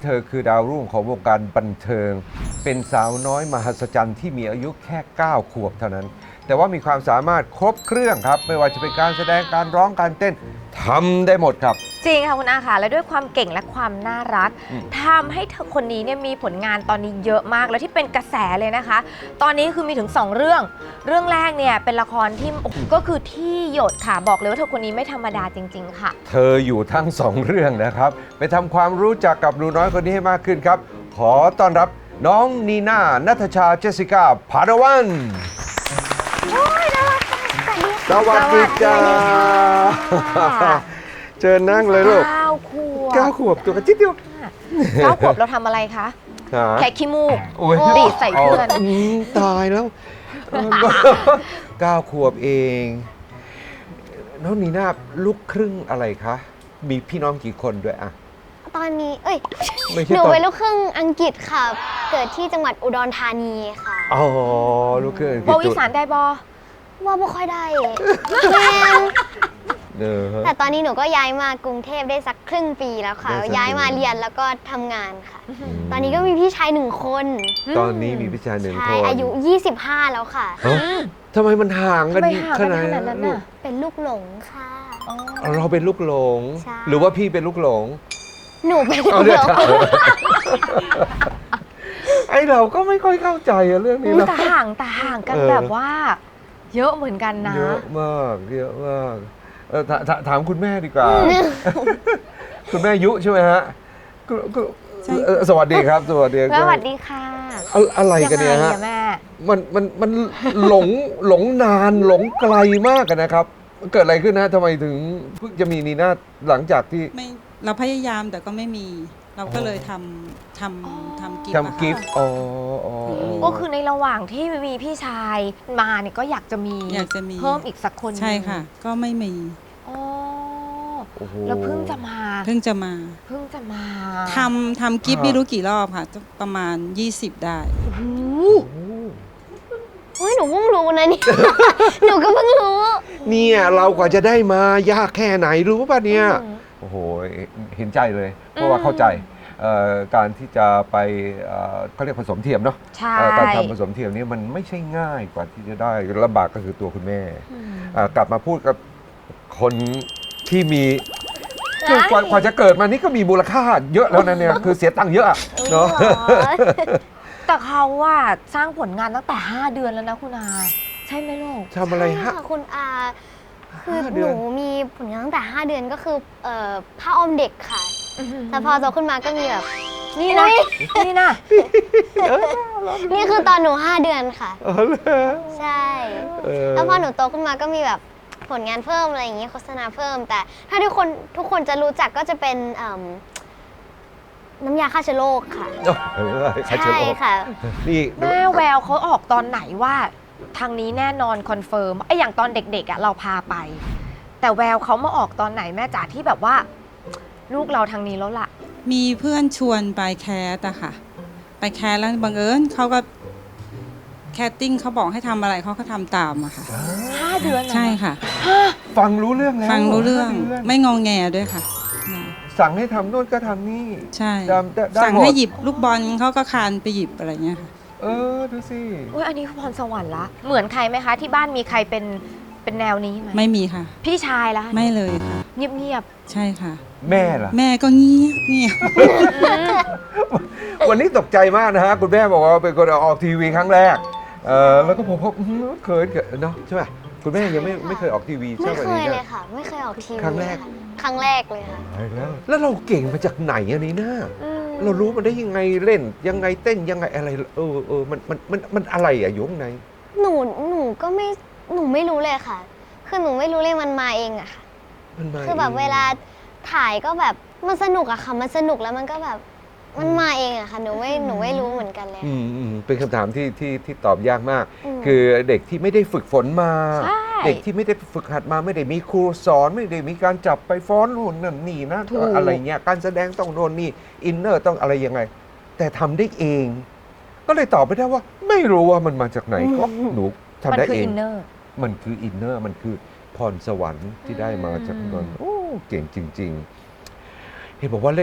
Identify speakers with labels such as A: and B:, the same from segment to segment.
A: ธอคือดาวรุ่งของวงการบันเทิงเป็นสาวน้อยมหัศจรรย์ที่มีอายุแค่ 9 ขวบเท่านั้น แต่ว่ามีความสามารถครบเครื่องครับไม่ว่าจะเป็นการแสดงการร้องการเต้นทำได้หมดครับ
B: จริงค่ะคุณอาค่ะและด้วยความเก่งและความน่ารักทำให้เธอคนนี้เนี่ยมีผลงานตอนนี้เยอะมากแล้วที่เป็นกระแสเลยนะคะ ตอนนี้คือมีถึง2เรื่องแรกเนี่ยเป็นละครที่ก็คือที่หยดค่ะบอกเลยว่าเธอคนนี้ไม่ธรรมดาจริงๆค่ะ
A: เธออยู่ทั้ง2เรื่องนะครับไปทำความรู้จักกับหนูน้อยคนนี้ให้มากขึ้นครับขอต้อนรับน้องนีน่าณัฐชาเจสสิก้าพาดาวันสวัสดีจ้าเจอนั่งเลยลูก9 ขวบตัวกระจิ๊ดเดียว
B: 9 ขวบเราทำอะไรคะแค่ขี้มูกดีดใส่เพื่อน
A: ตายแล้ว9 ขวบเองน้องนีน่าลูกครึ่งอะไรคะมีพี่น้องกี่คนด้วยอะ
C: ตอนนี้หนูเป็นลูกครึ่งอังกฤษค่ะเกิดที่จังหวัดอุดรธานีค่ะ
A: อ๋อลูกครึ่งอังกฤษ
B: บอกอีสานได้บอ
C: ว่าไม่ค่อยได้แต่ตอนนี้หนูก็ย้ายมากรุงเทพได้สักครึ่งปีแล้วค่ะย้ายมาเรียนแล้วก็ทำงานค่ะตอนนี้ก็มีพี่ชาย1 คน
A: ตอนนี้มีพี่ชาย1 คน
C: อายุ25แล้วค่ะ
A: ทำไมมันห่างกันขนาดนั้นลูก
C: เป็นลูกหลงค่ะ
A: เราเป็นลูกหลงหรือว่าพี่เป็นลูกหลง
C: หนูเป็นลูกหลง
A: ไอเราก็ไม่ค่อยเข้าใจเรื่องนี้
B: แต่ห่างกันแบบว่าเยอะเหมือนกันนะ
A: เยอะมากถามคุณแม่ดีกว่าคุณแม่ยุใช่ไหมฮะสวัสดีครับสวัสดี
B: ค่ะ
A: อะไรกันเนี่ยฮะมันหลงนานหลงไกลมากกันนะครับเกิดอะไรขึ้นนะทำไมถึงเพิ่งจะมีนีน่าหลังจากที่
D: เราพยายามแต่ก็ไม่มีเราก็เลยทำ
A: กิฟต์
B: ก็คือในระหว่างที่มีพี่ชายมาเนี่ยก็อยากจะมีเพิ่มอีกสักคน
D: ใช่ค่ะก็ไม่มี
B: แล้วเพิ่งจะมา
D: ทำกิฟต์ไม่รู้กี่รอบค่ะประมาณ20ได้
C: เฮ้ยหนูเพิ่งรู้นะนี่หนูก็เพิ่งรู้
A: เนี่ยเรากว่าจะได้มายากแค่ไหนรู้ป่ะเนี่ยโอ้โหเห็นใจเลยเพราะว่าเข้าใจการที่จะไปเขาเรียกผสมเทียมเนาะการทำผสมเทียมนี่มันไม่ใช่ง่ายกว่าที่จะได้ลำบากก็คือตัวคุณแม่กลับมาพูดกับคนที่มีกว่าจะเกิดมานี่ก็มีมูลค่าเยอะแล้วนะเนี่ยคือเสียตังค์เยอะเนาะ
B: แต่เขาว่าสร้างผลงานตั้งแต่5 เดือนแล้วนะคุณอาใช่ไหมลูก
A: ทำอะไรฮะ
C: คุณอาคือหนูมีผลงานตั้งแต่5 เดือนก็คือผ้าอ้อมเด็กค่ะแต่พอโตขึ้นมาก็มีแบบ
B: นี่นะ
C: นี่คือตอนหนู5 เดือนค่ะใช่แล้วพอหนูโตขึ้นมาก็มีแบบผลงานเพิ่มอะไรอย่างเงี้ยโฆษณาเพิ่มแต่ถ้าทุกคนจะรู้จักก็จะเป็นน้ำยาฆ่าเชื้อโรคค่ะใช่ค่ะ
B: นี่แม่แววเขาออกตอนไหนว่าทางนี้แน่นอนคอนเฟิร์มไอ้อย่างตอนเด็กๆเราพาไปแต่แววเขามาออกตอนไหนแม่จ๋าที่แบบว่าลูกเราทางนี้แล้วล่ะ
D: มีเพื่อนชวนไปแคสอะค่ะไปแคสแล้วบังเอิญเขาก็แคสติ้งเขาบอกให้ทำอะไรเขาก็ทำตามอะค่ะ
B: 5 เดือน
D: ใช่ค่ะ
A: ฟังรู้เรื่องแล้ว
D: ฟังรู้เรื่องไม่งงแงด้วยค่ะ
A: สั่งให้ทำโน่นก็ทำนี่
D: ใช่สั่งให้หยิบลูกบอลเขาก็คานไปหยิบอะไรเงี้ยค่ะ
A: ดูสิ
B: อันนี้คือพรสวรรค์ละเหมือนใครไหมคะที่บ้านมีใครเป็นแนวนี้ไหม
D: ไม่มีค่ะ
B: พี่ชายละ
D: ไม่เลยค่ะ
B: เงียบ
D: ใช่ค่ะ
A: แม่ล่ะ
D: แม่ก็เงียบ
A: วันนี้ตกใจมากนะฮะคุณแม่บอกว่าเป็นคนออกทีวีครั้งแรกแล้วก็ผมเคยเนาะใช่ไหมคุณแม่ยังไม่เคยออกทีวี
C: ใช่ไหมไม่เคยเลยค่ะไม่เคยออกทีวี
A: ครั้งแรก
C: เลยค่ะ
A: แล้วเราเก่งมาจากไหนอันนี้นะเรารู้มันได้ยังไงเล่นยังไงเต้นยังไงอะไรมันอะไรอะอยู่ข้างใน
C: หนูก็ไม่หนูไม่รู้เลยค่ะคือหนูไม่รู้เลยมันมาเองอะค่ะคือแบบเวลาถ่ายก็แบบมันสนุกอะค่ะมันสนุกแล้วมันก็แบบมันมาเองอะค่ะหนูไม่รู้เหมือนกันเลย
A: เป็นคำถามที่ตอบยากมากคือเด็กที่ไม่ได้ฝึกฝนมาเด็กที่ไม่ได้ฝึกหัดมาไม่ได้มีครูสอนไม่ได้มีการจับไปฟ้อนนู่นนั่นนี่นะอะไรเงี้ยการแสดงต้องโน่นนี่อินเนอร์ต้องอะไรยังไงแต่ทำได้เองก็เลยตอบไม่ได้ว่าไม่รู้ว่ามันมาจากไหนก็หนูทำได้เองมันคืออินเนอร์มันคือพรสวรรค์ที่ได้มาจากนั้นโอ้เก่งจริงๆเห็นบอกว่าเล่น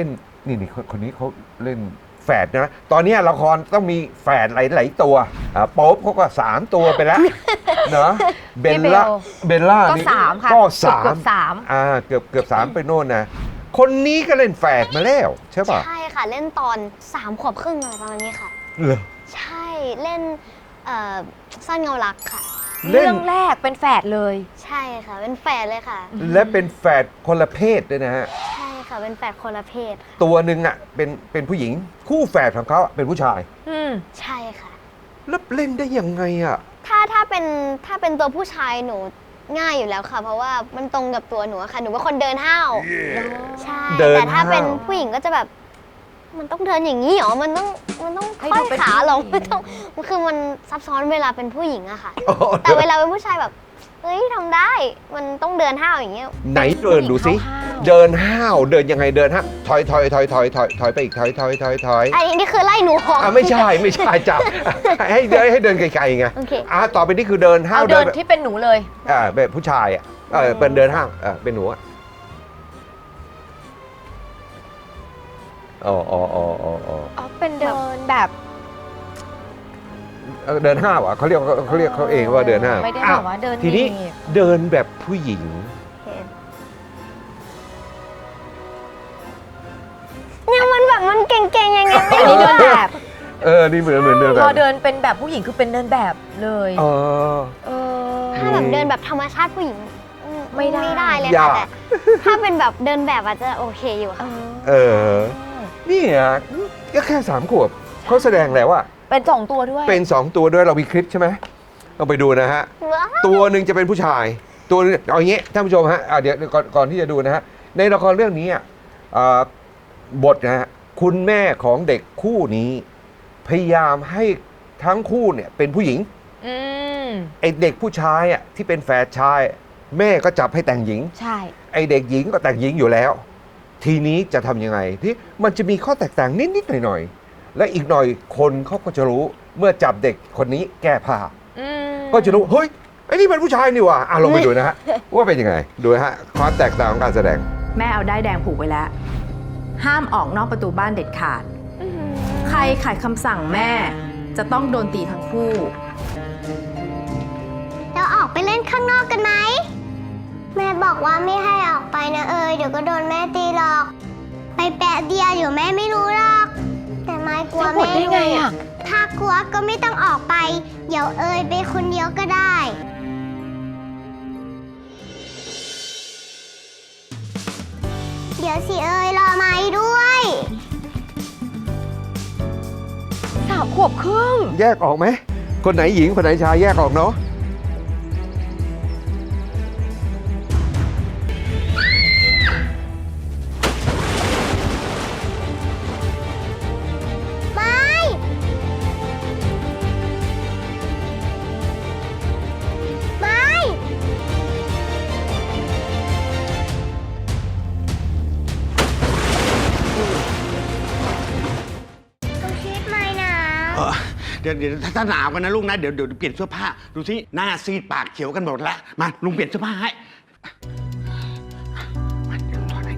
A: นี่คนนี้เขาเล่นแฝดนะ ตอนนี้ละครต้องมีแฝดหลายๆตัวโป๊ปเขาก็3 ตัวไปแล้วเนาะเบลล่า
B: ก็
A: นี่
B: 3 ค่ะ
A: ก็
B: เกือบ
A: 3เกือบ3ไปโน่นนะคนนี้ก็เล่นแฝดมาแล้วใช่ป่ะ
C: ใช่ค่ะเล่นตอน3 ขวบครึ่งอะไรประมาณนี้ค่ะ
A: เหรอ
C: ใช่เล่นซ่อนเงารักค่ะ
A: เล่น
B: เรื่องแรกเป็นแฝดเลย
C: ใช่ค่ะเป็นแฝดเลยค่ะ
A: และเป็นแฝดคนละเพศด้วยนะฮะ
C: ใช่ค่ะเป็นแฝดคนละเพศค่ะ
A: ตัวหนึ่งอ่ะเป็นผู้หญิงคู่แฝดของเขาเป็นผู้ชาย
B: อืม
C: ใช่ค่ะ
A: แล้วเล่นได้ยังไงอ่ะ
C: ถ้าเป็นตัวผู้ชายหนูง่ายอยู่แล้วค่ะ เพราะว่ามันตรงกับตัวหนูอะค่ะหนูเป็นคนเดินห้าวใช่
A: เดิน
C: แต่ถ้าเป็น
A: ห้าว
C: ผู้หญิงก็จะแบบ มันต้องเดินอย่างนี้เหรอมันต้อง
B: ให้
C: ค่
B: ดู
C: อย
B: เป็น
C: ขาลง
B: ผู้หญิง
C: ไม่ต้องคือมันซับซ้อนเวลาเป็นผู้หญิงอะค่ะ
A: อ๋อ
C: แต่เวลาเป็นผู้ชายแบบเฮ้ยทำได้มันต้องเดินห้าวอย่างเงี้ย
A: ไหนเดินดูสิ เดินห้าวเดินยังไงเดินฮะถอยไปอีกถอย
C: อันนี้คือไล่หนูออก
A: ไม่ใช่จับให้เดินไกลๆไง
C: โอเค
A: ต่อไปนี่คือเดินห้า
B: เอา
A: ว
B: เดินที่เป็นหนูเลย
A: แบบผู้ชายอ่ะเป็นเดินห้าวเป็นหนูอ่ะอ๋อ
B: เป็นเดินแบบ
A: เดินห้าวอ่ะเขาเรียกเขาเองว่าเดินห้าว
B: ไม่ได้บอกว่าเดิน
A: ทีนี้
B: หบ
A: เดินแบบผู้หญิง
C: เนี่ยมันแบบมันเก่งๆยังไง
B: อันนี้เดินแบบ
A: นี่เหมือนเดินแบ
B: พ
A: บ
B: อเดินเป็นแบบผู้หญิงคือเป็นเดินแบบเลย
A: อ๋อ
B: เออ
C: ถ้าแบบเดินแบบธรรมชาติผู้หญิง
B: ไม่ได้
C: เลย
A: ยา
C: ค่ะ
A: ก
C: แต่ถ้าเป็นแบบเดินแบบอาจจะโอเคอยู่ค่ะ
A: นี่อ่ะก็แค่3 ขวบเขาแสดงแล้วว่า
B: เป็น2 ตัวด้วย
A: เป็น 2 ตัวด้วยเรามีคลิปใช่ไหมเราไปดูนะฮะ
C: ว้าว
A: ตัวหนึ่งจะเป็นผู้ชาย ตัวนึงเอาอย่างงี้ท่านผู้ชมฮะเดี๋ยวก่อนที่จะดูนะฮะในละครเรื่องนี้บทนะฮะคุณแม่ของเด็กคู่นี้ พยายามให้ทั้งคู่เนี่ยเป็นผู้หญิง
B: อืม
A: ไอเด็กผู้ชายอ่ะที่เป็นแฝดชาย แม่ก็จับให้แต่งหญิง
B: ใช่
A: ไอเด็กหญิงก็แต่งหญิงอยู่แล้ว ทีนี้จะทำยังไงที่มันจะมีข้อแตกต่างนิดๆหน่อยๆและอีกหน่อยคนเขาก็จะรู้เมื่อจับเด็กคนนี้แก้ผ้า
B: อืม
A: ก็จะรู้เฮ้ยไอ้นี่เป็นผู้ชายนี่หว่าลงไปดูนะฮะ ว่าเป็นยังไงดูนะฮะความแตกต่างของการแสดง
E: แม่เอาด้ายแดงผูกไว้แล้ว ห้ามออกนอกประตูบ้านเด็ดขาด
B: อืม
E: ใครขัดคำสั่งแม่จะต้องโดนตีทั้งคู่
C: เราออกไปเล่นข้างนอกกันไหมแม่บอกว่าไม่ให้ออกไปนะเดี๋ยวก็โดนแม่ตีหรอก ไปแปะเดียวอยู่แม่ไม่รู้หรอก แต่ไม่กลัว
B: จะหมด
C: แม่
B: ได้ไงอ่ะ
C: ถ้ากลัวก็ไม่ต้องออกไป เดี๋ยวไปคนเดียวก็ได้ เดี๋ยวสิรอไม้ด้วย
B: 3 ขวบครึ่ง
A: แยกออกไหมคนไหนหญิงคนไหนชายแยกออกเนาะ
F: เดี๋ยวถ้าหนาวกันนะลูกนะเดี๋ยวเปลี่ยนเสื้อผ้าดูสิหน้าซีดปากเขียวกันหมดแล้วมาลุงเปลี่ยนเสื้อผ้าให้มาเดี๋ยวลุงถอดให้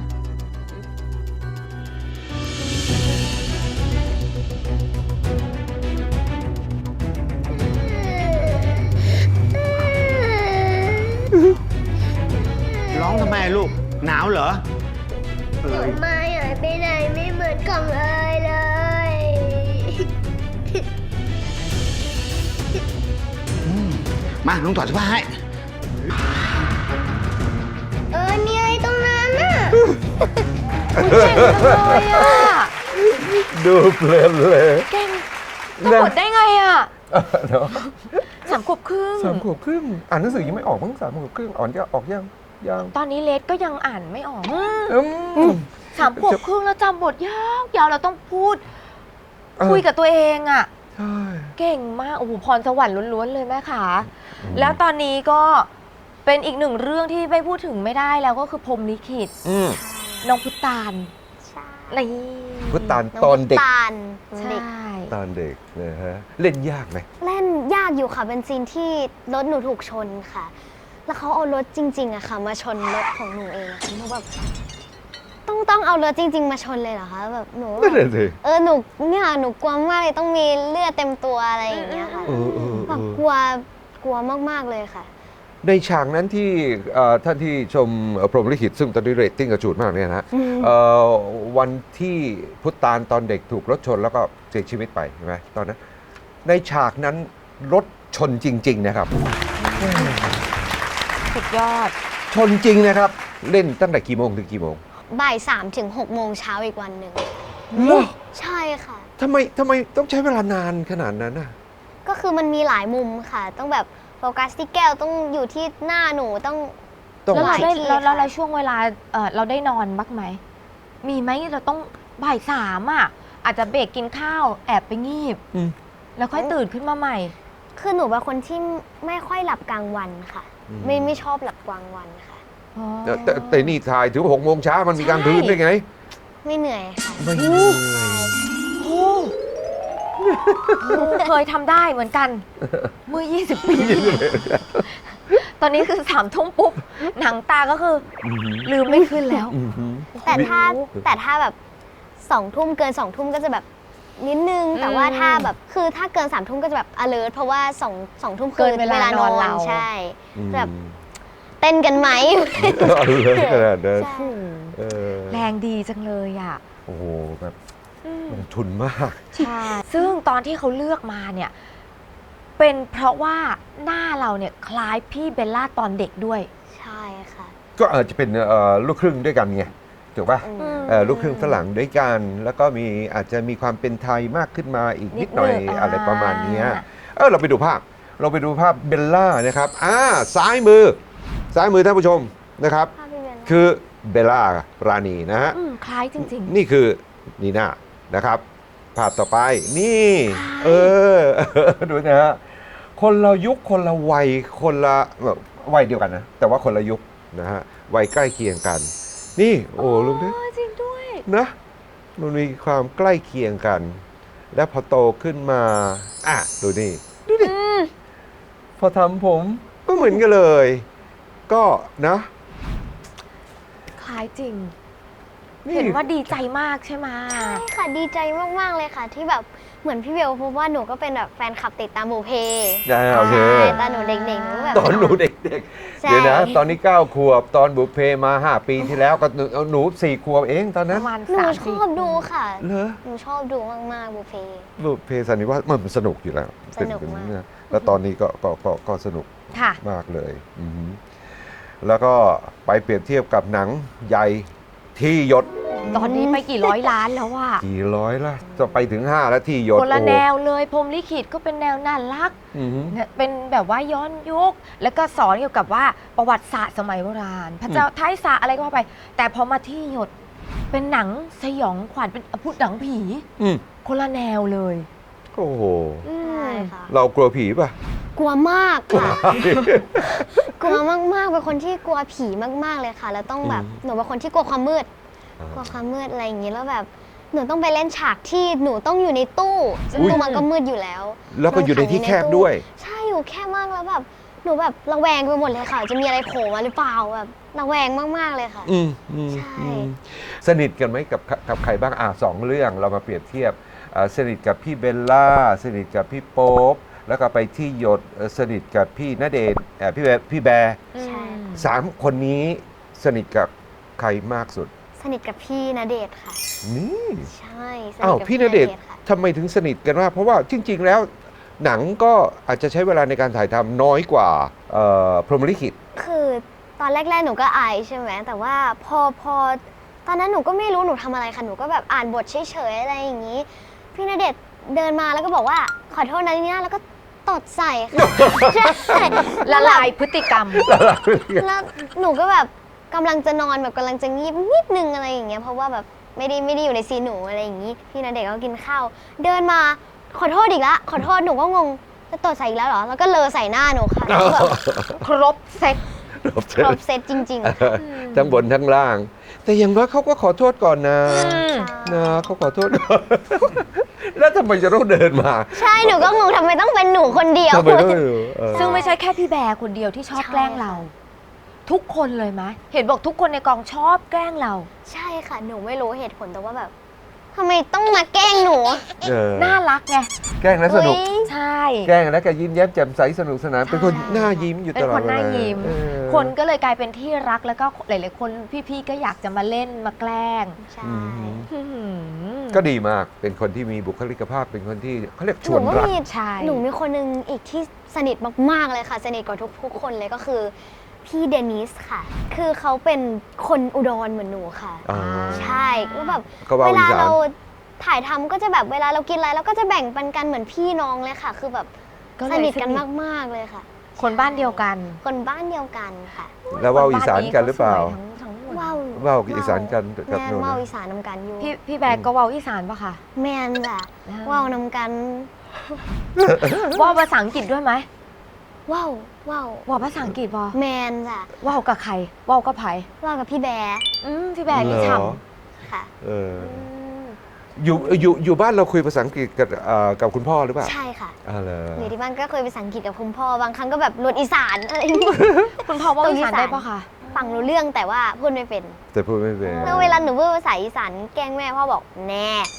F: ร้องทำไมลูกหนาวเหรอ
C: มาหายไปไหนไม่เหมือนของเลย
F: มาลุงถอดเสื้อผ้าให้
C: มีอะไรตรงนั้นน่ะ
B: เก่งจังเลยอ่ะ
A: ดูเพลินเลย
B: เก่งจะหมดได้ไงอ่ะ
A: เนาะ
B: 3 ขวบครึ่ง
A: 3 ขวบครึ่งอ่านหนังสือยังไม่ออกมั้ง3 ขวบครึ่งจะออกยัง
B: ตอนนี้เลสก็ยังอ่านไม่ออก
A: อืม
B: 3 ขวบครึ่งแล้วจำบทยาวเราต้องพูด
A: เออ
B: คุยกับตัวเองอ่ะ
A: ใช่
B: เก่งมาก โอ้โห พรสวรรค์ล้วนๆเลยแม่ขาแล้วตอนนี้ก็เป็นอีก1 เรื่องที่ไม่พูดถึงไม่ได้แล้วก็คือพรหมลิขิต น้องพุตาน
C: ใช่
B: นี่
A: พุทธานตอนเด็ก
C: ตาล
B: ใช่
C: เด็ก
A: ตอนเด็กนะฮะเล่นยากไหม
C: เล่นยากอยู่ค่ะ เป็นซีนที่รถหนูถูกชนค่ะ แล้วเขาเอารถจริงๆอะค่ะ มาชนรถของหนูเองอะค่ะเพราะแบบต้องเอารถจริง ๆ มาชนเลยเหรอคะแบบหนู
A: นั่นแหละสิ
C: หนูเนี่ยหนูกลัวมากเลยต้องมีเลือดเต็มตัวอะไรอย่างเงี้ยค่ะแบบกลัวมากๆเลยค่ะ
A: ในฉากนั้นที่ท่านที่ชมพรหมลิขิตซึ่งตอนนี้เรตติ้งกระจูดมากเนี่ยนะวันที่พุทธานตอนเด็กถูกรถชนแล้วก็เสียชีวิตไปใช่ไหมตอนนั้นในฉากนั้นรถชนจริง ๆ นะครับ
B: สุดยอด
A: ชนจริงนะครับ เล่นตั้งแต่กี่โมงถึงกี่โมง
C: บ่าย 3 ถึง 6 โมงเช้าอีกวันหนึ่ง
A: เหรอ
C: ใช่ค่ะ
A: ทำไมต้องใช้เวลานานขนาดนั้นน่ะ
C: ก็คือมันมีหลายมุมค่ะ ต้องแบบโฟกัสที่แก้วต้องอยู่ที่หน้าหนูต้อง
B: แล้ว
C: ห
B: เรา
C: ลาย
B: ได้
C: ที่
B: แล้ว
C: ค่ะ
B: เราช่วงเวลาเราได้นอนบ้างไหม มีไหมเราต้องบ่ายสามอ่ะ อาจจะเบรกกินข้าวแอบไปงีบ
A: อืม
B: แล้วค่อยตื่นขึ้นมาใหม่
C: คือหนูเป็นคนที่ไม่ค่อยหลับกลางวันค่ะ ไม่ชอบหลับกลางวันค่ะ
A: แต่นี่ถ่ายถึง6 โมงเช้ามันมีกลางคืนได้ไง
C: ไม่เหนื่อยค่ะ
A: ไม่เหนื่อย
B: เคยทำได้เหมือนกัน เมื่อ 20 ปี ตอนนี้คือ3 ทุ่มปุ๊บ หนังตาก็คือลืมไม่ขึ้นแล้ว
C: แต่ถ้าแบบ2 ทุ่มเกิน2 ทุ่มก็จะแบบนิดนึง แต่ว่าถ้าแบบคือถ้าเกิน3 ทุ่มก็จะแบบ alert เพราะว่า2 ทุ่ม
B: เกินเวลานอนเรา
C: ใช่แบบเต้นกันไหม
A: เอาเลยขนาดนั้น
C: ใช่
A: เออ
B: แรงดีจังเลยอ่ะ
A: โอ้โหแบบลงทุนมาก
B: ใช่ ซึ่งตอนที่เขาเลือกมาเนี่ย เป็นเพราะว่าหน้าเราเนี่ยคล้ายพี่เบลล่าตอนเด็กด้วย
C: ใช่ค่ะ
A: ก็อาจจะเป็นลูกครึ่งด้วยกันไงถูกป่ะ ลูกครึ่งฝรั่งด้วยกัน แล้วก็อาจจะมีความเป็นไทยมากขึ้นมาอีกนิดหน่อย
B: นิดนึง
A: อะไรประมาณเนี้ย
B: อ่า
A: เราไปดูภาพเบลล่านะครับซ้ายมือท่านผู้ชมนะครับ
C: ภาพพี่เบลล่า
A: คือเบลล่ารานีนะฮะ
B: คล้ายจริง
A: นี่คือนีน่านะครับภาพต่อไปนี่ดูนะฮะคนละยุคคนละวัยคนละวัยเดียวกันนะแต่ว่าคนละยุคนะฮะวัยใกล้เคียงกัน นี่โอ้ลูกนี่
B: จริงด้วย
A: นะมันมีความใกล้เคียงกัน และพอโตขึ้นมาดูนี่พอทำผมก็เหมือนกันเลย ก็นะ
B: คล้ายจริง
A: นี่
B: เห็นว่าดีใจมากใช่ไหม
C: ใช่ค่ะดีใจมากๆเลยค่ะ ที่แบบเหมือนพี่เบลเพราะว่าหนูก็เป็นแบบแฟนคลับติดตามบุพเพ
A: โอเค
C: ใช่ตอนหนูเด็กๆหนูแบบ
A: ตอนหนูเด็ก
C: ใช่
A: ๆ เดี๋ยวนะ ตอนนี้ 9 ขวบ ตอนบุพเพมา 5 ปีที่แล้วก็หนู 4 ขวบเองตอน
B: ป
A: นั้น
B: ระมาณ
C: หนู
B: 3
C: ชอบดูค่ะ
A: เหรอ
C: หนูชอบดูมากๆบุพเพ
A: บุพเพสันนิวาสมันสนุกอยู่แล้ว
C: สนุกมาก
A: เป็นแล้วตอนนี้ก็สนุก
B: ค่ะ
A: มากเลยแล้วก็ไปเปรียบเทียบกับหนังใหญ่ที่หยด
B: ตอนนี้ไปกี่ร้อยล้านแล้วว่ะ
A: กี่ร้อยละจะไปถึง 5 แล้วที่หยด
B: คนละ
A: โอ้
B: แนวเลยพรหมลิขิตก็เป็นแนวน่ารัก
A: อือหือ
B: เนี่ยเป็นแบบว่าย้อนยุค แล้วก็สอนเกี่ยวกับว่าประวัติศาสตร์สมัยโบราณ พระเจ้าท้ายสาอะไรก็ว่าไป แต่พอมาที่หยดเป็นหนังสยองขวัญเป็นพูดหนังผี
A: อืม
B: คนละแนวเลย
A: โอ้โห
C: ใช่ค่ะ
A: เรากลัวผีป่ะ
C: กลัวมากค่ะ กลัวมากๆเป็นคนที่กลัวผีมากๆเลยค่ะ แล้วต้องแบบหนูเป็นคนที่กลัวความมืด กลัวความมืดอะไรอย่างงี้แล้วแบบหนูต้องไปเล่นฉากที่หนูต้องอยู่ในตู้ซึ่ง
A: อุ๊ย
C: ตู้มันก็มืดอยู่แล้ว
A: แล้วก็อยู่ในที่แคบด้วย
C: ใช่อยู่แคบมากแล้วแบบหนูแบบระแวงไปหมดเลยค่ะ จะมีอะไรโผล่มาหรือเปล่าแบบระแวงมากๆเลยค่ะ ใช่
A: สนิทกันไหมกับใครบ้าง2 เรื่องเรามาเปรียบเทียบสนิทกับพี่เบลล่าสนิทกับพี่โป๊ปแล้วก็ไปที่หยดสนิทกับพี่ณเดชน์พี่แบร์
C: ใช่
A: 3 คนนี้สนิทกับใครมากสุด
C: สนิทกับพี่ณเดชน์ค่ะ
A: นี่
C: ใช่สนิท
A: อ้าว
C: กับ
A: พี่ณเดชน์
C: ค่ะ
A: ทำไมถึงสนิทกันมากเพราะว่าจริง ๆ แล้วหนังก็อาจจะใช้เวลาในการถ่ายทำน้อยกว่าพรหมลิขิต
C: คือตอนแรกๆหนูก็อายใช่ไหมแต่ว่าพอตอนนั้นหนูก็ไม่รู้หนูทำอะไรค่ะหนูก็แบบอ่านบทเฉยๆอะไรอย่างนี้ พี่ณเดชน์เดินมาแล้วก็บอกว่าขอโทษนะเนี่ยแล้วก็ตดใส่ค่ะ ใช่
B: ละลายพฤติกรรม
C: แล้วหนูก็แบบกำลังจะนอนแบบกำลังจะงีบนิดนึงอะไรอย่างเงี้ยเพราะว่าแบบไม่ได้อยู่ในซีนหนูอะไรอย่างนี้พี่ณเดชน์ก็กินข้าวเดินมาขอโทษอีกละขอโทษหนูก็งงจะตดใส่อีกแล้วเหรอแล้วก็เลอใส่หน้าหนูค่ะแล้วแบบ
B: ครบเซ็ต
C: ครบเซตจริงๆค่ะ
A: ทั้งบนทั้งล่าง แต่อย่างน้อยเขาก็ขอโทษก่อนนะนะเขาขอโทษก่อน แล้วทำไมจะต้องเดินมา
C: ใช่หนูก็งงทำไมต้องเป็นหนูคนเดียว
A: ทำไมต้อง
B: ซึ่งไม่ใช่แค่พี่แบร์คนเดียวที่ชอบ
C: ใช่
B: แกล้งเราทุกคนเลยไหมเห็นบอกทุกคนในกองชอบแกล้งเรา
C: ใช่ค่ะ หนูไม่รู้เหตุผลแต่ว่าแบบทำไมต้องมาแกล้งหนู
B: น่ารักไง
A: แกล้งแล้วสนุก
C: เฮ้ย
B: ใช่
A: แกล้งแล้วก็ยิ้มแย้มแจ่มใสสนุกสนานเป็นคนหน้ายิ้มอยู่ตลอด
B: เป็นคนหน้า
A: เวล
B: ยิ้ม
A: เออ
B: คนก็เลยกลายเป็นที่รักแล้วก็หลายๆคนพี่ๆก็อยากจะมาเล่นมาแกล้ง
C: ใช่
B: อื้อหือ
A: ก็ดีมากเป็นคนที่มีบุคลิกภาพเป็นคนที่เขาเรียกช
C: ห
A: ว
C: นู
A: น
C: ก็
A: รัก
C: มี
B: ใช่
C: หนูมีคนหนึงอีกที่สนิทมากๆเลยค่ะ สนิทกว่าทุกคนเลยก็คือพี่เดนิสค่ะ คือเขาเป็นคนอุดรเหมือนหนูค่ะ
A: อ๋อ
C: ใช่แล้วแบบ
A: ก็ว่า
C: เวลา
A: อีสาน
C: เราถ่ายทำก็จะแบบเวลาเรากินอะไรเราก็จะแบ่งปันกันเหมือนพี่น้องเลยค่ะ คือแบบ
B: ก็เลย
C: สนิทกัน
B: สนิท
C: มากๆเลยค่ะ
B: คนบ้านเดียวกัน
C: คนบ้านเดียวกันค่ะ
A: แล้วว่าอีสานกันหรือเปล่า
B: คนบ้นนี้ก็สวยทั้งหมด
C: ว้าว
A: ว่าวอีสานกันกับ
C: แม่
A: โน่น
C: ว้าว
A: นะ
C: อีสานนำกันอยู่
B: พี่แบกก็เว้าอีสานปะคะ
C: แมนจ้ะ
B: อ่า
C: ว้าวนำกัน
B: เว่าภาษาอังกฤษด้วยไหม
C: ว้าวว้าว
B: เว่าภาษาอังกฤษปะ
C: แมนจ้ะ
B: เว่ากับใครเว่ากับไผ
C: ว้าวกับพี่แบร์
B: พี่แบกนี่
A: เหรอ
B: ฉ่
C: ค่ะ
A: เออ
B: ำ
A: อยู่บ้านเราคุยภาษาอังกฤษกับคุณพ่อหรือเปล่า
C: ใช่ค่ะ
A: อ๋อเหรอ
C: อยู่ที่บ้านก็เคยไปสังกฤษกับคุณพ่อบางครั้งก็แบบรถอีสานอะไรอย่างเงี้ย
B: คุณพ่อเว่าอีสานได้ปะคะ
C: ฟังรู้เรื่องแต่ว่าพูดไม่เป็น
A: แต่พูดไม่เป็น
C: แล้วเวลาหนูพูดภาษาอีสานแกล้งแม่พ่อบอกแน่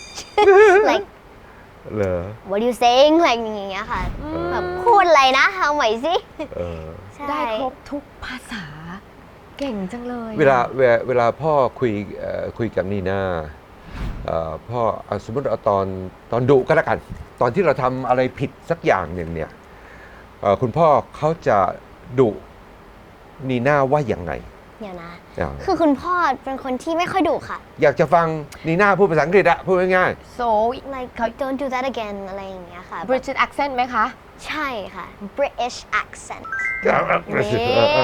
C: like
A: เหรอ
C: what you saying อะไรอย่างเงี้ยค่ะ แบบพูดอะไรนะเอาใหม่สิ
A: เออ
C: ใช่
B: ได้ครบทุกภาษา เก่งจังเลย
A: เวลาพ่อคุยกับนีน่าพ่อสมมติเอาตอนดุก็แล้วกัน ตอนที่เราทำอะไรผิดสักอย่างหนึ่งเนี่ยคุณพ่อเขาจะดุนีน่าว่าอย่างไง
C: เดี๋ยวนะ
A: อ่า
C: คือคุณพ่อเป็นคนที่ไม่ค่อยดุค่ะ
A: อยากจะฟังนีน่าพูดภาษาอังกฤษอะพูดง่าย
B: โซ
C: like don't do that again อะไรอย่างเงี้ยค่ะ
B: British accent ไหมคะ
C: ใช่ค่ะ British accent
A: ๆ
C: นี่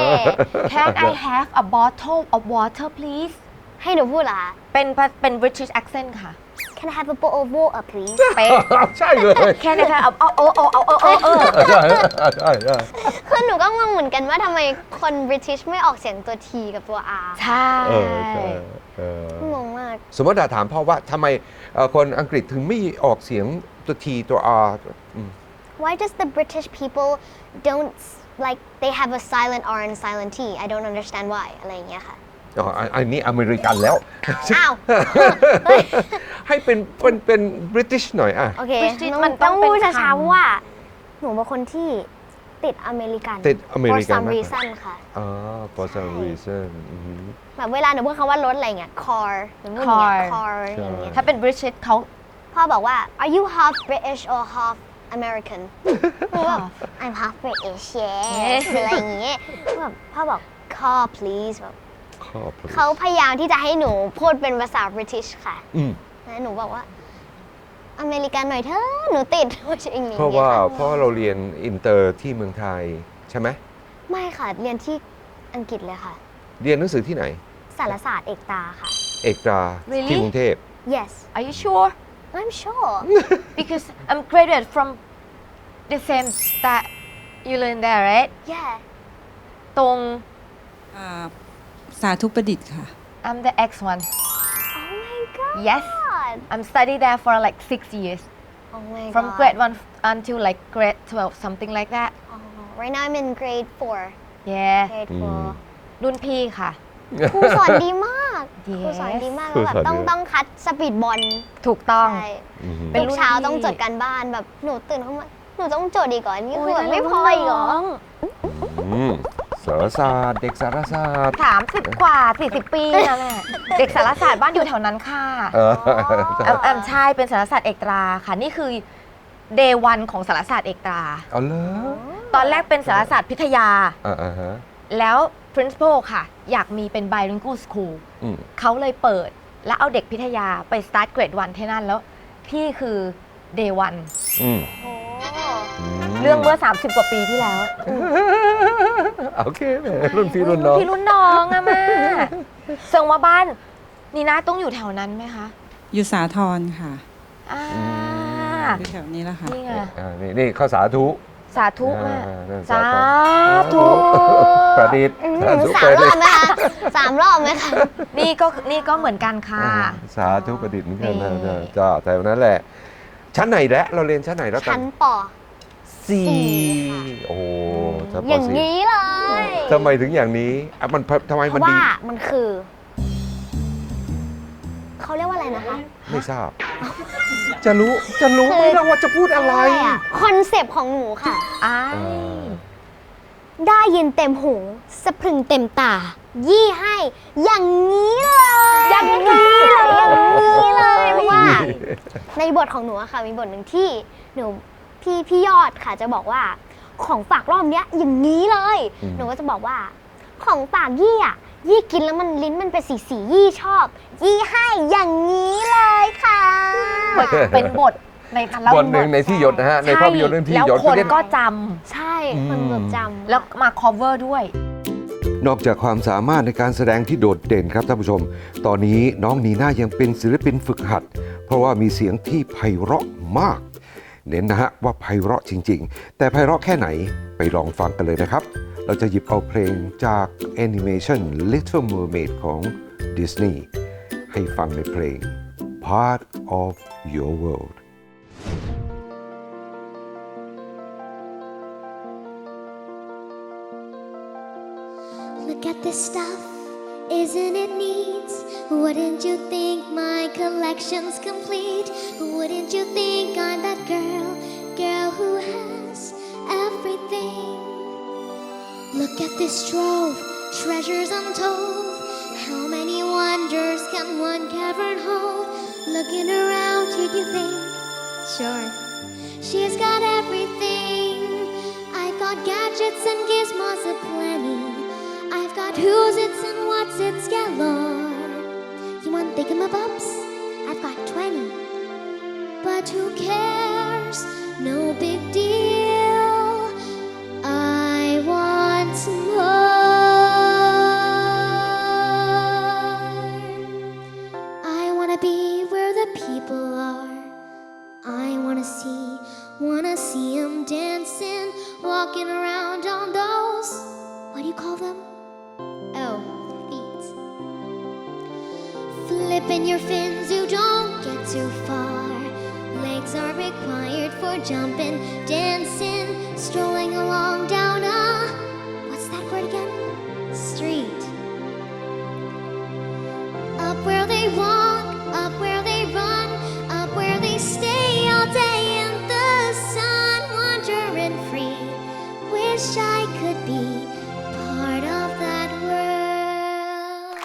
B: Can I have a bottle of water please
C: ให้หนูพูดเหรอคะ
B: เป็น British accent ค่ะ
C: Can I have a bowl of water please
B: เป๊ะ
A: ใช่เลย
B: Can I have
A: ใช่ใช่ใช่
C: คือหนูก็งงเหมือนกันว่าทำไมคน British ไม่ออกเสียงตัว T กับตัว R
B: ใช่
A: ใช่
C: งงมาก
A: สมมติถามพ่อว่าทำไมคนอังกฤษถึงไม่ออกเสียงตัว T ตัว R
C: Why does the British people don't like they have a silent R and silent T I don't understand why อะไรอย่างเงี้ยค่ะ
A: อ๋ออันนี้อเมริกันแล้ว
C: อ้าว
A: ให้เป็น British หน่อยอ่ะ
C: โอเค
B: British
C: ต้
B: มั
C: อน ง
B: ต้
C: ต้
B: อ
C: อง ง
B: เป็น
C: พูดช้า
B: คำ
C: ๆว่า หนูเป็นคนที่ติดอเมริกัน
A: ติดอเมริกัน
C: for some
A: มาก
C: reason ค่ะ
A: อ๋อ for some reason
C: แบบเวลาหนูพูดคำว่ารถอะไรเงี้ย car หนูพูดอย่างเงี้ย car
A: ใช่
C: อย่างเงี้ย
B: ถ้าเป็น British เขา
C: พ่อบอกว่า are you half British or half American หนูแบบ I'm half British yes อะไรอย่างเงี้ยแบบพ่อบอก car please แบบ
A: ขอบคุณ
C: เขาพยายามที่จะให้หนูพูดเป็นภาษา British ค่ะ
A: อืม
C: แล้วหนูบอกว่า อเมริกันหน่อยเถอะหนูติดว่าจะอย่างนี้
A: เพราะว่า
C: ค่ะ
A: เพราะเราเรียนอินเตอร์ที่เมืองไทยใช่ไหม
C: ไม่ค่ะ เรียนที่อังกฤษเลยค่ะ
A: เรียนหนังสือที่ไหน
C: สารศาสตร์เอกตาค่ะ
A: เอกตรา
B: Really?
A: ที่กรุงเทพ
C: yes
B: Are you sure
C: I'm sure
B: because I'm graduated from the same that you learn there right
C: yeah
B: ตรง
D: สาธุประดิษฐ์ค่ะ
B: I'm the X one
C: oh my god
B: Yes I'm studied there for like 6 years
C: oh my
B: from
C: god
B: grade 1 until like grade 12 something like that
C: oh, right now I'm in grade 4
B: yeah
C: grade
B: รุ่นพี่ค่ะ
C: 4ครูสอนดีมาก
B: Yes
C: ครูสอนดีมาก
A: ครู
C: แล้วแบบ
A: สอนดี
C: ต้องคัดสปีดบอล
B: ถูกต้อง
C: ใช่
A: อืม
B: เป็น
C: ทุ
B: รุ่
C: ก
B: น
C: เช้า
B: พี่
C: ต้องจดการบ้านแบบหนูตื่นเข้ามาหนูต้องจดอีกก่อนนี่คือแบบไม่พออีกเหรอ
A: สารศาสตร์เด็กสารศาสตร์
B: 30 กว่า 40 ปีนะแม่ เด็กสารศาสตร์บ้านอยู่แถวนั้นค่ะ
A: เออ
B: ใช่เป็นสารศาสตร์เอกตราค่ะ นี่คือ day 1 ของสารศาสตร์เอกตรา
A: เอาเลย
B: ตอนแรกเป็นสารศาสตร์พิทยา
A: อ่าฮะ
B: แล้ว principal ค่ะ อยากมีเป็น bilingual school
A: อืม
B: เขาเลยเปิด แล้วเอาเด็กพิทยาไป start grade 1 ที่นั่นแล้ว พี่คือ day 1
A: อืม
C: โอ้
B: เรื่องเมื่อ 30 กว่าปีที่แล้ว
A: โอเคแหมรุ่นพี่รุ่นน้อง
B: พี่รุ่นน้องอะแม่เซิงว่าบ้านนีน่าต้องอยู่แถวนั้นไหมคะ
D: อยู่สาทรค่ะ
B: อ่า
D: อยู่แถวนี้แหละค่ะ
B: นี่ไง
A: นี่ข้าวสาธุ
B: สาธุแม่
A: นั่น
B: สา
A: ธุ
B: ธุ
A: ประดิษฐ์
C: สามรอบไหมคะ3 รอบไหมคะ
B: นี่ก็เหมือนกันค่ะ
A: สาธุประดิษฐ์เหมือนกันนะ
B: นี่
A: จ้าแต่วันนั้นแหละ ชั้นไหนแล้วเราเรียนชั้นไหนแล้วกั
C: ชั้
A: น
C: นป
A: สี่โอ้โหชั้นป
C: อย่าง
A: สี่
C: นี้เลย
A: ทำไมถึงอย่างนี้อ่ะมันทำไม
C: เพ
A: มัน
C: ราะ
A: ดี
C: ว่ามันคือเขาเรียกว่าอะไรนะคะ
A: ไม่ทราบ จะรู้ไหมนะว่าจะพูดอะไร
C: คอนเซปต์ของหนูค่ะ
B: อ้า
A: เออ
C: ได้ยินเต็มหูสะพรึงเต็มตา ยี่ให้อย่างนี้เลยอย่างนี้เลยเพราะว่า ในบทของหนูอะค่ะมีบทหนึ่งที่หนูพี่ยอดค่ะจะบอกว่าของฝากรอบเนี้ยอย่างนี้เลย หนูก็จะบอกว่าของฝากยี่อะยี่กินแล้วมันลิ้นมันเป็นสียี่ชอบ ยี่ให้อย่างนี้เลยค่ะ
B: เหมือนเป็นบทในพันเล่า
A: บทหนึ่งในที่หยดนะฮะ ในภาพยนตร์เรื่องที่หยด
B: แล้วคน
A: เรียก
B: ก็จ
C: ใช่คนแบบจำ
B: ำแล้วมา cover ด้วย
A: นอกจากความสามารถในการแสดงที่โดดเด่นครับท่านผู้ชม ตอนนี้น้องนีน่ายังเป็นศิลปินฝึกหัด เพราะว่ามีเสียงที่ไพเราะมาก เน้นนะฮะว่าไพเราะจริง ๆ แต่ไพเราะแค่ไหนไปลองฟังกันเลยนะครับ เราจะหยิบเอาเพลงจากแอนิเมชัน Little Mermaid ของ Disney ให้ฟังในเพลง Part of Your World
G: Look at this stuff, isn't it neat? Wouldn't you think my collection's complete? Wouldn't you think I'm that girl who has everything? Look at this trove, treasures untold. How many wonders can one cavern hold? Looking around, did you think? Sure, she's got everything. I've got gadgets and gizmos aplenty. I've got who's its and what's its galore. You want thingamabobs? I've got 20. But who cares? No big deal. I want more. I wanna be where the people are. I wanna see 'em dancing, walking around on those, what do you call them? Oh, feet. Flipping your fins, you don't get too far. Legs are required for jumping, dancing, strolling along down a, what's that word again? Street. Up where they walk, up where they run, up where they stay all day in the sun, wandering free. Wish I could be part of that world.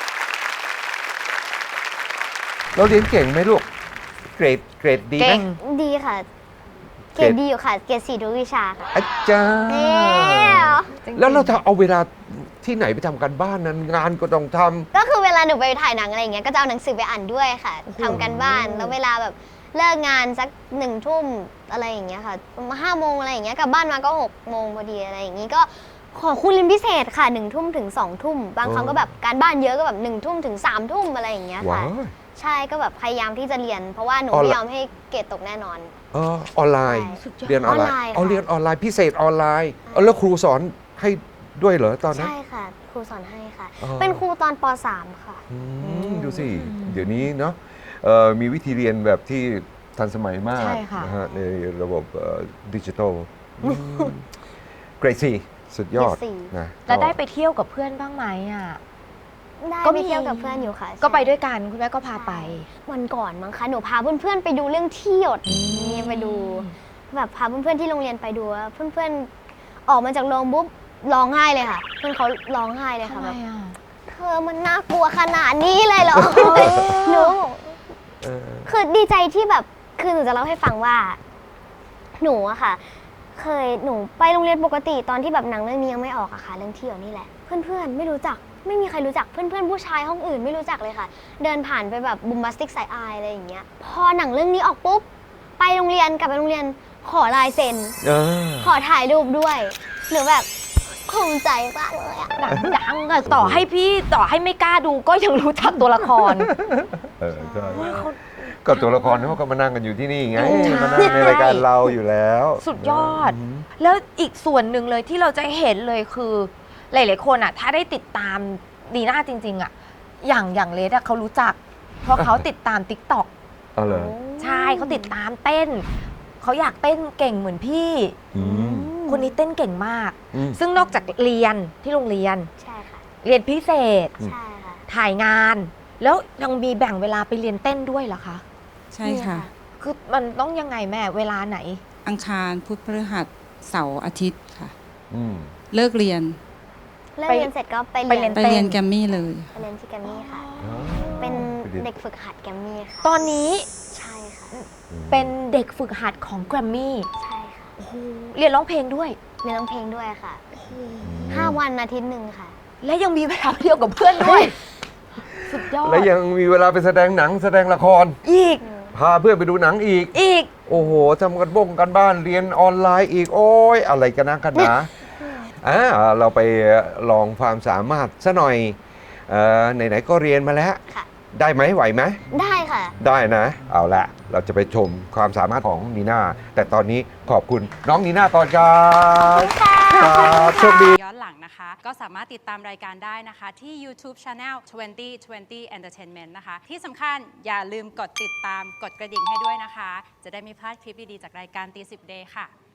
A: เราเรียนเก่งไหมลูก เกรดดีไหม
B: เก่ง
C: ดีค่ะ เกรดดีอยู่ค่ะ เกรด4ทุกวิชาค่ะ
A: อาจารย์แล้วเราจะเอาเวลาที่ไหนไปทำกันบ้านนั้นงานก็ต้องทำ
C: ก็คือเวลาหนูไปถ่ายหนังอะไรอย่างเงี้ยก็จะเอาหนังสือไปอ่านด้วยค่ะทำกันบ้านแล้วเวลาแบบเลิกงานสัก1 ทุ่มอะไรอย่างเงี้ยค่ะ5 โมงอะไรอย่างเงี้ยกลับบ้านมาก็6 โมงพอดีอะไรอย่างงี้ก็ขอคู่เรียนพิเศษค่ะ1 ทุ่มถึง2 ทุ่มบางครั้งก็แบบการบ้านเยอะก็แบบ1 ทุ่มถึง3 ทุ่มอะไรอย่างเงี้ย
A: ว้า
C: ค่ะ
A: ว
C: ใช่ก็แบบพยายามที่จะเรียน เพราะว่าหนู
A: ออนไลน์
C: ไม่ยอมให้เกรดตกแน่นอน
A: ออนไลน์
C: ใช่
A: เรียนออนไล
C: ออนไลน์
A: น์
C: ค่ะ
A: เอาเรียนออนไลน์พิเศษออนไลน์แล้วครูสอนให้ด้วยเหรอตอนนั้น
C: ใช่ค่ะครูสอนให้ค่ะ
A: อ๋อ
C: เป็นครูตอนป .3 ค่ะ
A: ดูสิ เดี๋ยวนี้เนาะมีวิธีเรียนแบบที่ทันสมัยมาก
B: ใช่ค่ะ
A: นะฮะในระบบดิจิทัลเกรดซีสุดยอด
C: เกรดสี่
A: นะ
B: แล้วได้ไปเที่ยวกับเพื่อนบ้างไหมอ่ะ
C: ได้
B: ก็
C: ไป
B: มี
C: เที่ยวกับเพื่อนอยู่ค่ะ
B: ก็ไป
C: ใช่
B: ด้วยกันคุณแม่ก็พาไป
C: วันก่อนมั้งคะหนูพาเพื่อนๆไปดูเรื่องที่หยดนี่ไปดูแบบพาเพื่อนๆที่โรงเรียนไปดูว่าเพื่อนๆออกมาจากโรงปุ๊บร้องไห้เลยค่ะ เพื่อนเขาร้องไห้เลยค่ะแบบเธอมันน่ากลัวขนาดนี้เลยเหรอ หนู
A: เออ
C: คือดีใจที่แบบคือหนูจะเล่าให้ฟังว่าหนูอะค่ะ เคยหนูไปโรงเรียนปกติตอนที่แบบหนังเรื่องนี้ยังไม่ออกอะค่ะเรื่องที่หยดนี่แหละเพื่อนๆไม่รู้จักไม่มีใครรู้จักเพื่อนๆผู้ชายห้องอื่นไม่รู้จักเลยค่ะ เดินผ่านไปแบบบุมบัสติกไซอายอะไรอย่างเงี้ยพอหนังเรื่องนี้ออกปุ๊บไปโรงเรียนกลับไปโรงเรียนขอลายเซ็น ขอถ่ายรูปด้วยหนูแบบภูมิใจมากเลยอะ
B: หนังดังอะต่อให้ไม่กล้าดูก็ยังรู้จักตัวละคร
A: ใช่ก็ตัวละครเขาก็มานั่งกันอยู่ที่นี่ไง
B: ใช่
A: มานั่งในรายการเราอยู่แล้ว
B: สุดยอด แล้วอีกส่วนหนึ่งเลยที่เราจะเห็นเลยคือ หลายๆคนอ่ะ ถ้าได้ติดตามดีน่าจริง ๆอ่ะอย่างเลสอ่ะเขารู้จัก เพราะเขาติดตาม TikTok
A: อ๋อเหรอ
B: ใช่เขาติดตามเต้นเขาอยากเต้นเก่งเหมือนพี่
A: อืม
B: คุณคนนี้เต้นเก่งมาก
A: อืม
B: ซึ่งนอกจากเรียนที่โรงเรียน
C: ใช่ค่ะ
B: เรียนพิเศษ
C: ใช่ค่ะ
B: ถ่ายงาน แล้วยังมีแบ่งเวลาไปเรียนเต้นด้วยเหรอคะ
D: ใช่ค่ะ
B: คือมันต้องยังไงแม่เวลาไหน
D: อังคารพุธพฤหัสเสาร์อาทิตย์ค่ะ
A: อืม
D: เลิกเรียน
C: เลิกเรียนเสร็จก็ไป
B: ไปเรี
C: เรี
B: ย
C: ย
B: น
C: น
D: ไปเรียนแกรมมี่เลย
C: ไปเรียนที่แกรมมี่ค่ะ เป็นเด็กฝึกหัดแกรมมี่ค่ะ
B: ตอนนี้
C: ใช่ค่ะ
B: เป็นเด็กฝึกหัดของแกรมมี่
C: ใช่ค่ะ
B: เรียนร้องเพลงด้วย
C: เรียนร้องเพลงด้วยค่ะ 5 วันอาทิตย์หนึ่งค่ะ
B: และยังมีเวลาเที่ยวกับเพื่อนด้วย สุดยอด
A: และยังมีเวลาไปแสดงหนังแสดงละคร
B: อีก
A: พาเพื่อนไปดูหนังอีก
B: อีก
A: โอ้โหทำกันกันบ้านเรียนออนไลน์อีก โอ้ยอะไรกันนะกันนะเราไปลองความสามารถซะหน่อยไหนๆก็เรียนมาแล้ว
C: ค่ะ
A: ได้ไหมไหวไหม
C: ได้ค่ะ
A: ได้นะ เอาละเราจะไปชมความสามารถของนีน่า แต่ตอนนี้ขอบคุณน้องนีน่าก่อนครับครับโชคดี
H: ย้อนหลังนะคะ ก็สามารถติดตามรายการได้นะคะ ที่ YouTube Channel 2020 Entertainment นะคะ ที่สำคัญอย่าลืมกดติดตามกดกระดิ่งให้ด้วยนะคะ จะได้ไม่พลาดคลิปดี ๆ จากรายการตี10 Day ค่ะ